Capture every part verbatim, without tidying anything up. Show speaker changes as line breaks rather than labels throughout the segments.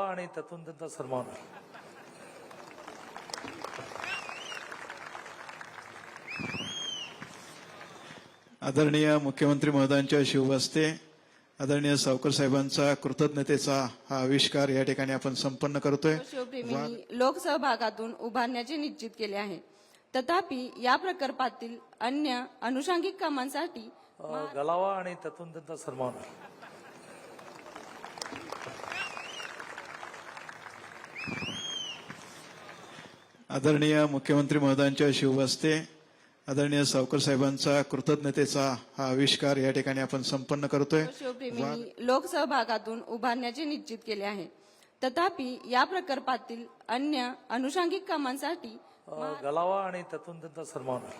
आणि त्यातून त्यांचा सन्मान होईल.
आदरणीय मुख्यमंत्री महोदयांच्या शुभहस्ते आदरणीय सावकर साहेबांचा कृतज्ञतेचा हा आविष्कार या ठिकाणी आपण संपन्न करतोय.
शिवप्रेमींनी लोकसहभागातून उभारण्याचे निश्चित केले आहे. तथापि या प्रकल्पातील अन्य अनुषंगिक कामांसाठी
अ, गलावा आणि त्यातून त्यांचा सन्मान होईल.
आदरणीय मुख्यमंत्री महोदयांच्या शुभहस्ते आदरणीय सावकर साहेबांचा कृतज्ञतेचा हा आविष्कार या ठिकाणी आपण संपन्न करतोय.
शिवप्रेमींनी लोकसहभागातून उभारण्याचे निश्चित केले आहे. तथापि या प्रकल्पातील अन्य अनुषंगिक कामांसाठी
अ, गलावा आणि त्यातून त्यांचा सन्मान होईल.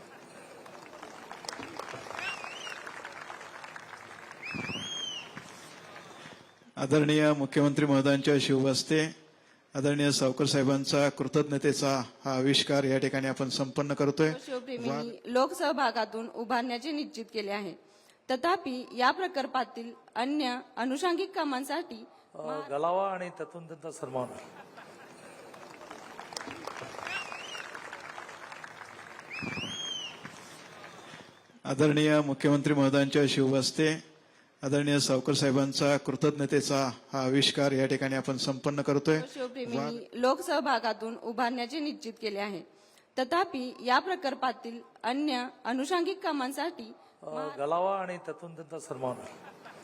आदरणीय मुख्यमंत्री महोदयांच्या शुभहस्ते आदरणीय सावकर साहेबांचा कृतज्ञतेचा हा आविष्कार या ठिकाणी आपण संपन्न करतोय.
शिवप्रेमींनी लोकसहभागातून उभारण्याचे निश्चित केले आहे. तथापि या प्रकल्पातील अन्य अनुषंगिक कामांसाठी
अ, गलावा आणि त्यातून त्यांचा सन्मान होईल.
आदरणीय मुख्यमंत्री महोदयांच्या शुभहस्ते आदरणीय सावकर साहेबांचा कृतज्ञतेचा हा आविष्कार या ठिकाणी आपण संपन्न करतोय.
शिवप्रेमींनी लोकसहभागातून उभारण्याचे निश्चित केले आहे. तथापि या प्रकल्पातील अन्य अनुषंगिक कामांसाठी
अ, गलावा आणि त्यातून त्यांचा सन्मान होईल.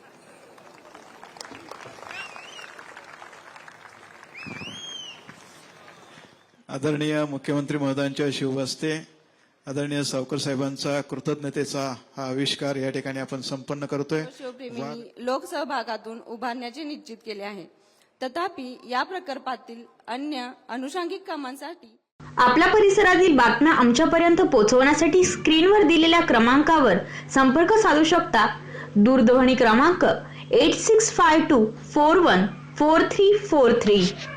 आदरणीय मुख्यमंत्री महोदयांच्या शुभहस्ते आदरणीय सावकर साहेबांचा कृतज्ञतेचा हा आविष्कार या ठिकाणी आपण संपन्न करतोय.
शिवप्रेमींनी लोकसहभागातून उभारण्याचे निश्चित केले आहे. तथापि या प्रकल्पातील अन्य अनुषंगिक कामांसाठी
आपल्या परिसरातील बातम्या आमच्यापर्यंत पोहोचवण्यासाठी स्क्रीनवर दिलेल्या क्रमांकावर संपर्क साधू शकता. दूरध्वनी क्रमांक eight six five two four one four three four three.